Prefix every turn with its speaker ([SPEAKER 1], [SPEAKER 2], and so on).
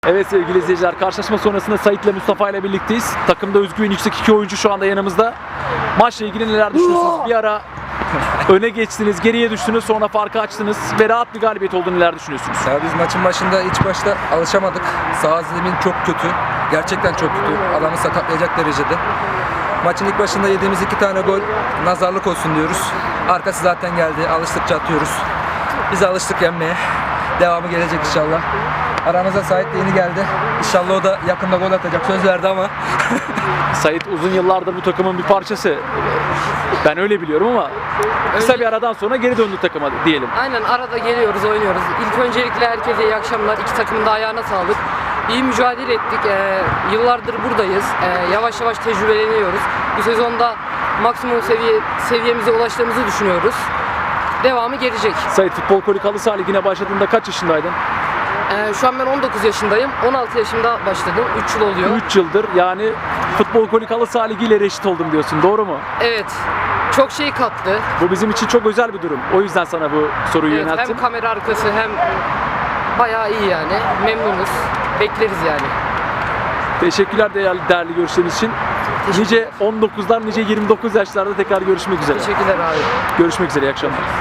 [SPEAKER 1] Evet sevgili izleyiciler, karşılaşma sonrasında Sait ile Mustafa ile birlikteyiz. Takımda özgüven yüksek iki oyuncu şu anda yanımızda. Maçla ilgili neler düşünüyorsunuz? Bir ara öne geçtiniz, geriye düştünüz, sonra farkı açtınız ve rahat bir galibiyet oldu. Neler düşünüyorsunuz?
[SPEAKER 2] Ya biz maçın başında ilk başta alışamadık. Sağ zemin çok kötü. Gerçekten çok kötü. Adamı sakatlayacak derecede. Maçın ilk başında yediğimiz 2 tane gol nazarlık olsun diyoruz. Arkası zaten geldi. Alıştıkça atıyoruz. Biz alıştık yenmeye. Devamı gelecek inşallah. Aramıza Sait de yeni geldi. İnşallah o da yakında gol atacak. Söz verdi ama.
[SPEAKER 1] Sait uzun yıllardır bu takımın bir parçası. Ben öyle biliyorum ama kısa bir aradan sonra geri döndü takıma diyelim.
[SPEAKER 3] Aynen, arada geliyoruz, oynuyoruz. İlk öncelikle herkese iyi akşamlar. İki takımın da ayağına sağlık. İyi mücadele ettik. Yıllardır buradayız. Yavaş yavaş tecrübeleniyoruz. Bu sezonda maksimum seviyemize ulaştığımızı düşünüyoruz. Devamı gelecek.
[SPEAKER 1] Sait, Futbol Kolik Halı Saha Ligi'ne başladığında kaç yaşındaydın?
[SPEAKER 3] Şu an ben 19 yaşındayım. 16 yaşımda başladım. 3 yıl oluyor.
[SPEAKER 1] 3 yıldır yani Futbol Kolik Halı Saha Ligi ile reşit oldum diyorsun, doğru mu?
[SPEAKER 3] Evet. Çok şey kattı.
[SPEAKER 1] Bu bizim için çok özel bir durum. O yüzden sana bu soruyu
[SPEAKER 3] Evet,
[SPEAKER 1] yönelttim.
[SPEAKER 3] hem kamera arkası hem bayağı iyi yani. Memnunuz. Bekleriz yani.
[SPEAKER 1] Teşekkürler değerli görüşleriniz için. Nice 19'lar, nice 29 yaşlarda tekrar görüşmek üzere.
[SPEAKER 3] Teşekkürler abi.
[SPEAKER 1] Görüşmek üzere, iyi akşamlar.